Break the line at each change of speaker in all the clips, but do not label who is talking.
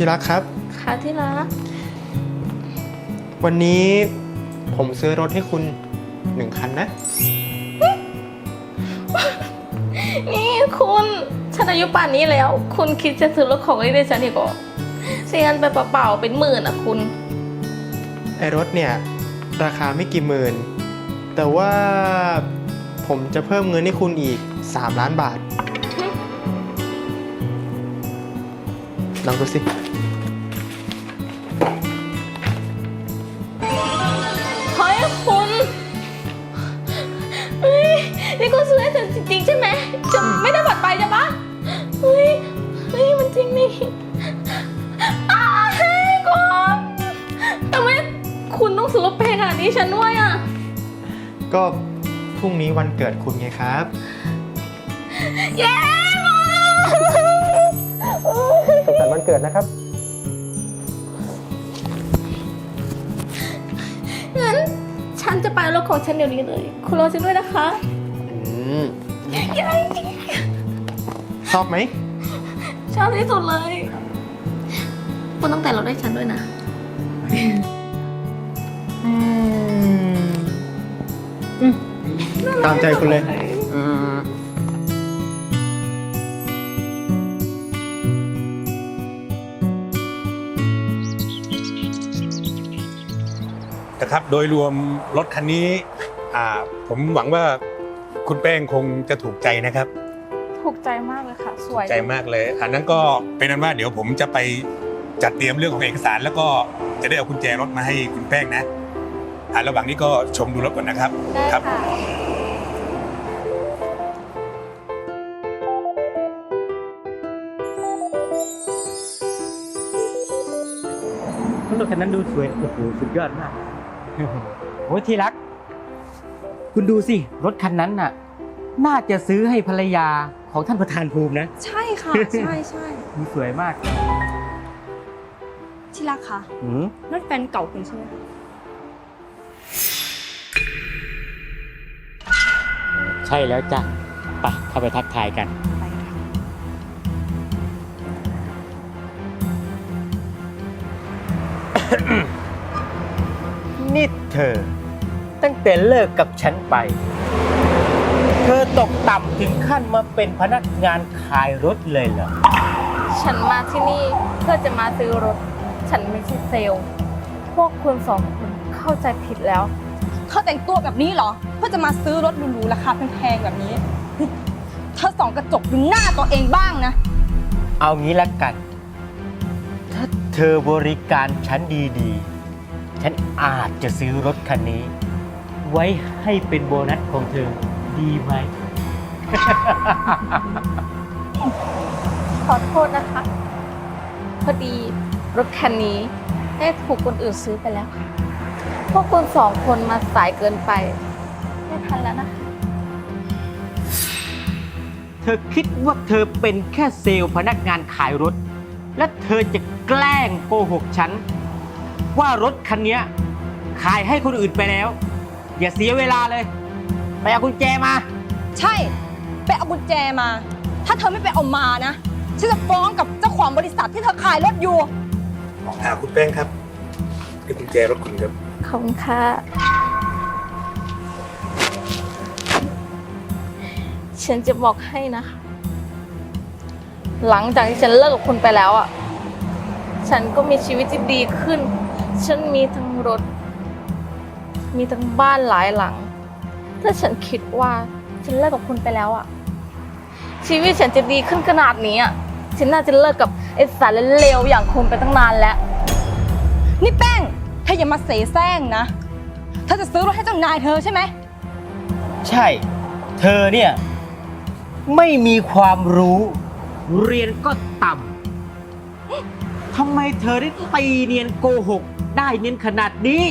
ที่รักครับ
ค่ะที่รัก
วันนี้ผมซื้อรถให้คุณ1 คันนะ
นี่คุณฉันอายุป่านนี้แล้วคุณคิดจะซื้อรถของเล่นให้ฉันอีกเหรอเสียเงินไปเปล่าๆเป็น10,000อ่ะคุณ
ไอรถเนี่ยราคาไม่กี่หมื่นแต่ว่าผมจะเพิ่มเงินให้คุณอีก3 ล้านบาทลองดูสิ
เฮ้ยคุณเฮ้ยนี่คุณซื้อให้ฉันจริงๆใช่ไหมจะไม่ได้บัตรไปใช่ปะเฮ้ยมันจริงนี่เฮ้ยคุณทำไมคุณต้องซื้อรถแพงขนาดนี้ฉันด้วยอ่ะ
ก็พรุ่งนี้วันเกิดคุณไงครับ
เย้
สุขสันต์วันเกิดนะครับ
งั้นฉันจะไปรถของฉันเดี๋ยวนี้เลยคุณรอฉันด้วยนะคะ
ชอบไหม
ชอบที่สุดเลยคุณต้องแต่งรถให้ฉันด้วยนะ
ตามใจคุณเลย
นะครับโดยรวมรถคันนี้ผมหวังว่าคุณแป้งคงจะถูกใจนะครับ
ถูกใจมากเลยค่ะสวย
ใจมากเลยอันนั้นก็เป็นนั้นว่าเดี๋ยวผมจะไปจัดเตรียมเรื่องของเอกสารแล้วก็จะได้เอากุญแจรถมาให้คุณแป้งนะระหว่างนี้ก็ชมดูรถก่อนนะครับ
ได้ค่ะ
รถคันนั้นดูสวยโอ้โหสุดยอดมากโอ้ยที่รักคุณดูสิรถคันนั้นน่ะน่าจะซื้อให้ภรรยาของท่านประธานภูมินะ
ใช่ค่ะใช่
ดูสวยมาก
ที่รักค่ะนั่นแฟนเก่าคุณใช่ไหม
ใช่แล้วจ้ะไปเข้าไปทักทายกันนี่เธอตั้งแต่เลิกกับฉันไปเธอตกต่ำถึงขั้นมาเป็นพนักงานขายรถเลยเหรอ
ฉันมาที่นี่เพื่อจะมาซื้อรถฉันไม่ใช่เซลล์พวกคุณ2 คนเข้าใจผิดแล้ว
เขาแต่งตัวแบบนี้เหรอเพื่อจะมาซื้อรถหรูๆราคาแพงๆแบบนี้เธอส่องกระจกดูหน้าตัวเองบ้างนะ
เอางี้ละกันถ้าเธอบริการฉันดีๆฉันอาจจะซื้อรถคันนี้ไว้ให้เป็นโบนัสของเธอดีไหม
ขอโทษนะคะพอดีรถคันนี้ได้ถูกคนอื่นซื้อไปแล้วค่ะพวกคุณ2 คนมาสายเกินไปไม่ทันแล้วนะคะ
เธอคิดว่าเธอเป็นแค่เซลล์พนักงานขายรถและเธอจะแกล้งโกหกฉันว่ารถคันนี้ขายให้คนอื่นไปแล้วอย่าเสียเวลาเลยไปเอากุญแจมา
ใช่ไปเอากุญแจมาถ้าเธอไม่ไปเอามานะฉันจะฟ้องกับเจ้าของบริษัทที่เธอขายรถอยู่
คุณแป้งครับนี่กุญแจรถคุณครับ
ขอบคุณค่ะฉันจะบอกให้นะคะหลังจากที่ฉันเลิกกับคุณไปแล้วอ่ะฉันก็มีชีวิตที่ดีขึ้นฉันมีทั้งรถมีทั้งบ้านหลายหลังถ้าฉันคิดว่าฉันเลิกกับคุณไปแล้วอ่ะชีวิตฉันจะดีขึ้นขนาดนี้อ่ะฉันน่าจะเลิกกับไอ้สารเลวอย่างคุณไปตั้งนานแล้ว
นี่แป้งเธออย่ามาเสแสร้งนะเธอจะซื้อรถให้เจ้านายเธอใช่ไหม
ใช่เธอเนี่ยไม่มีความรู้เรียนก็ต่ำทำไมเธอได้ตีเนียนโกหกได้เนียนขนาดนี้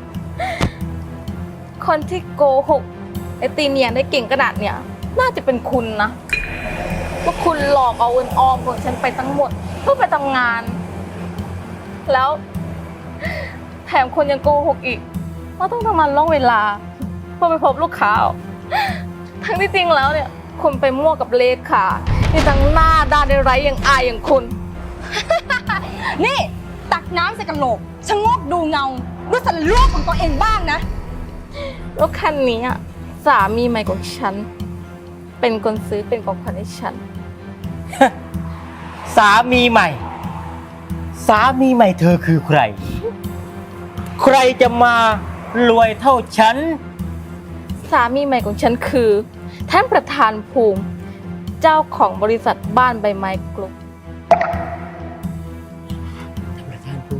คนที่โกหกไอ้ตีเนียนได้เก่งขนาดเนี้ยน่าจะเป็นคุณนะว่าคุณหลอกเอาเงินออมของฉันไปทั้งหมดเพื่อไปทำงานแล้วแถมคนยังโกหกอีกว่าต้องทำงานล่วงเวลาเพื่อไปพบลูกค้าทั้งที่จริงแล้วเนี่ยคุณไปมั่วกับเลขาที่ทั้งหน้าด้านไร้อย่างอายอย่างคุณ
นี่ตักน้ำใส่กระโหลกชะโงกดูเงาดูสันโลกของตัวเองบ้างนะ
รถคันนี้อะสามีใหม่ของฉัน เป็นคนซื้อเป็นของขวัญให้ฉัน
สามีใหม่ สามีใหม่เธอคือใคร ใครจะมารวยเท่าฉัน
สามีใหม่ของฉันคือ ท่านประธานภูมิ เจ้าของบริษัทบ้านใบไม้กลุ่ม
ประธานภูมิ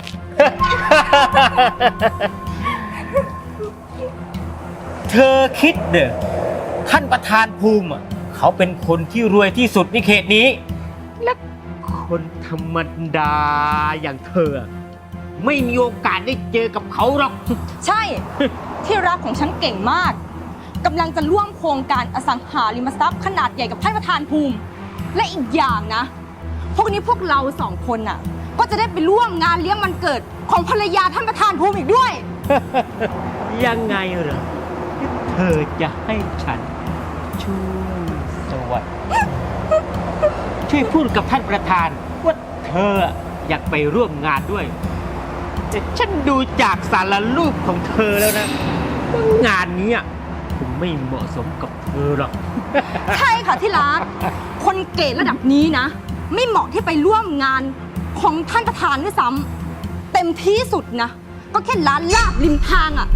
เธอคิดเด้อท่านประธานภูมิอะเขาเป็นคนที่รวยที่สุดในเขตนี้ และคนธรรมดาอย่างเธอ ไม่มีโอกาสได้เจอกับเขาหรอก
ใช่ ที่รักของฉันเก่งมากกำลังจะร่วมโครงการอสังหาริมทรัพย์ขนาดใหญ่กับท่านประธานภูมิ และอีกอย่างนะ พวกนี้พวกเราสองคนน่ะ ก็จะได้ไปร่วมงานเลี้ยงวันเกิดของภรรยาท่านประธานภูมิอีกด้วย
ยังไงเหรอที่เธอจะให้ฉันช่วยสวัสดิ์ช่วยพูดกับท่านประธานว่าเธออยากไปร่วมงานด้วยแต่ฉันดูจากสารรูปของเธอแล้วนะว่างานนี้คงไม่เหมาะสมกับเธอหรอก
ใช่ค่ะที่รัก คนเกรดระดับนี้นะ ไม่เหมาะที่ไปร่วมงานของท่านประธานด้วยซ้ำเต็มที่สุดนะ ก็แค่ร้านลาบริมทางอ่ะ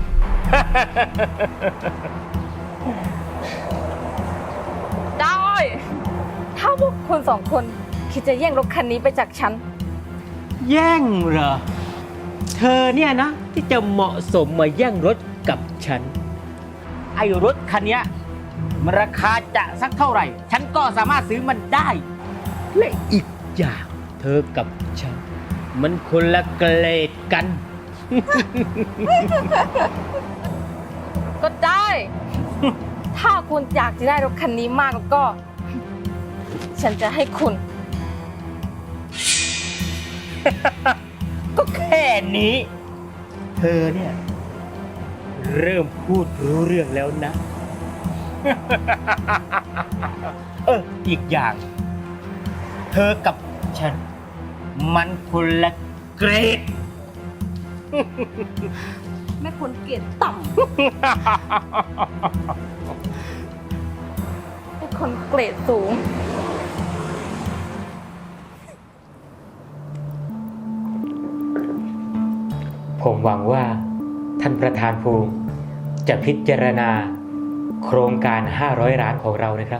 ได้ ถ้าพวกคุณสองคนคิดจะแย่งรถคันนี้ไปจากฉัน
แย่งเหรอ เธอเนี่ยนะ ที่จะเหมาะสมมาแย่งรถกับฉัน ไอ้รถคันเนี้ยมันราคาจะสักเท่าไหร่ ฉันก็สามารถซื้อมันได้ และอีกอย่างเธอกับฉัน มันคนละเกรดกัน
ก็ได้ ถ้าคุณอยากจะได้รถคันนี้มากแล้วก็ ฉันจะให้คุณ
ก็แค่นี้ เธอเนี่ย เริ่มพูดรู้เรื่องแล้วนะ อีกอย่าง เธอกับฉัน มันคนละเกรด
แม่คนเกรดต่
เป็นคนเกรดสูง
ผมหวังว่าท่านประธานภูมิจะพิจารณาโครงการ500 ล้านของเรานะครับ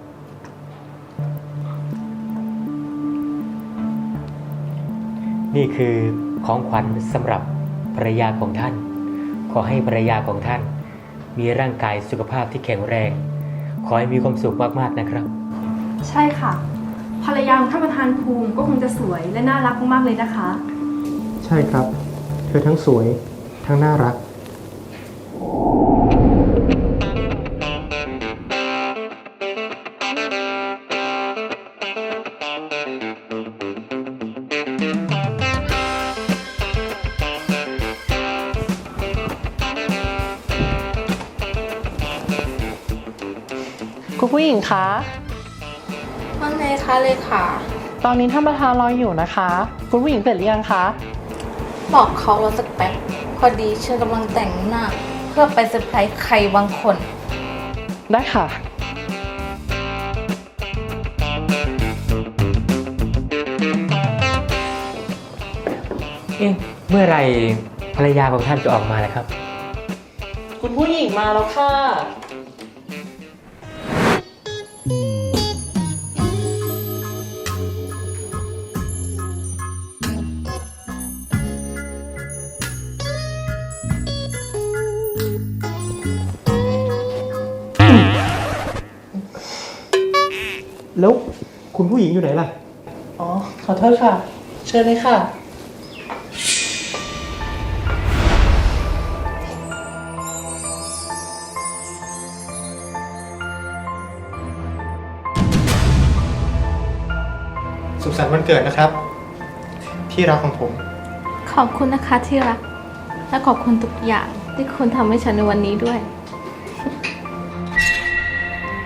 นี่คือของขวัญสำหรับภรรยาของท่าน ขอให้ภรรยาของท่านมีร่างกายสุขภาพที่แข็งแรง ขอให้มีความสุขมากๆนะครับ
ใช่ค่ะ ภรรยาของท่านประธานภูมิก็คงจะสวยและน่ารักมากๆเลยนะคะ
ใช่ครับ เธอทั้งสวยทั้งน่ารัก
คุณผู้หญิงคะ
ว่าไงคะเลขา
ตอนนี้ท่านประธานรออยู่นะคะ คุณผู้หญิงเสร็จหรือยังคะ
บอกเขารอสักแป๊บ พอดีฉันกำลังแต่งหน้า เพื่อไปเซอร์ไพรส์ใครบางคน
ได้ค่ะ
เมื่อไหรภรรยาของท่านจะออกมาแล้วครับ
คุณผู้หญิงมาแล้วค่ะ
แล้วคุณผู้หญิงอยู่ไหนล่ะ
อ๋อ ขอโทษค่ะ เชิญเลยค่ะ
สุขสันต์วันเกิดนะครับ ที่รักของผม
ขอบคุณนะคะที่รัก และขอบคุณทุกอย่างที่คุณทำให้ฉันในวันนี้ด้วย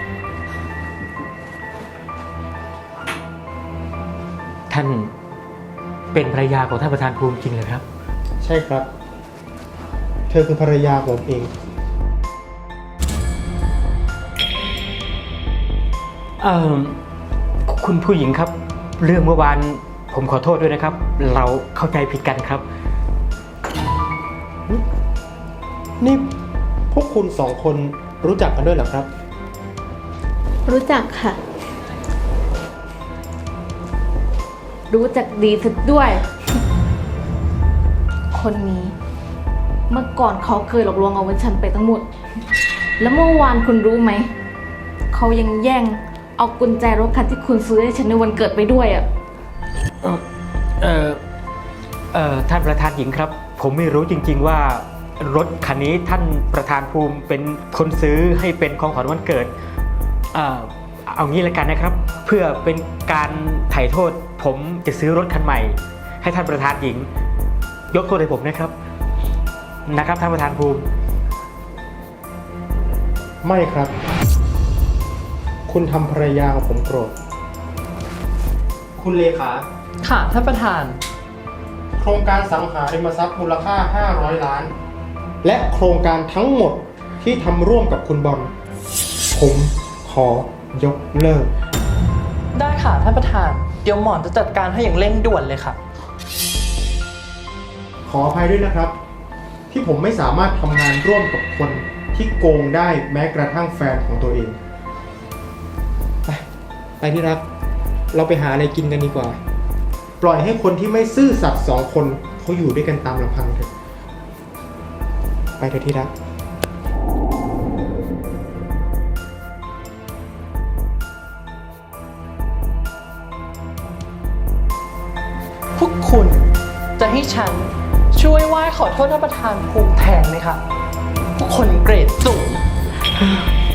ท่านเป็นภรรยาของท่านประธานภูมิจริงเหรอครับ
ใช่ครับ เธอคือภรรยาของผมเอง
เอ่อคุณผู้หญิงครับ เรื่องเมื่อวานผมขอโทษด้วยนะครับ เราเข้าใจผิดกันครับ
นี่พวกคุณสองคนรู้จักกันด้วยเหรอครับ
รู้จักค่ะ รู้จักดีสุดด้วย คนนี้ เมื่อก่อนเขาเคยหลอกลวงเอาเงินฉันไปทั้งหมด แล้วเมื่อวานคุณรู้ไหม เขายังแย่งเอากุญแจรถคันที่คุณซื้อให้ฉันในวันเกิดไปด้วยอ่ะ
ท่านประธานหญิงครับ ผมไม่รู้จริงๆว่ารถคันนี้ท่านประธานภูมิเป็นคนซื้อให้เป็นของขวัญวันเกิด เอางี้ละกันนะครับ เพื่อเป็นการไถ่โทษ ผมจะซื้อรถคันใหม่ ให้ท่านประธานหญิง ยกโทษให้ผมนะครับท่านประธานภูมิ
ไม่ครับ คุณทำภรรยาของผมโกรธ คุณเลขา
ค่ะท่านประธาน
โครงการสังหาริมทรัพย์มูลค่า 500 ล้าน และโครงการทั้งหมดที่ทำร่วมกับคุณบอล ผมขอยกเลิก
ได้ค่ะท่านประธาน เดี๋ยวหมอนจะจัดการให้อย่างเร่งด่วนเลยค่ะ
ขออภัยด้วยนะครับ ที่ผมไม่สามารถทำงานร่วมกับคนที่โกงได้แม้กระทั่งแฟนของตัวเอง ไปที่รัก เราไปหาอะไรกินกันดีกว่า ปล่อยให้คนที่ไม่ซื่อสัตย์สองคนเขาอยู่ด้วยกันตามลำพังเถอะ ไปเถอะที่รัก
พวกคุณจะให้ฉันช่วยไหว้ขอโทษท่านประธานภูมิแทนไหมคะพวกคนเกรดสูง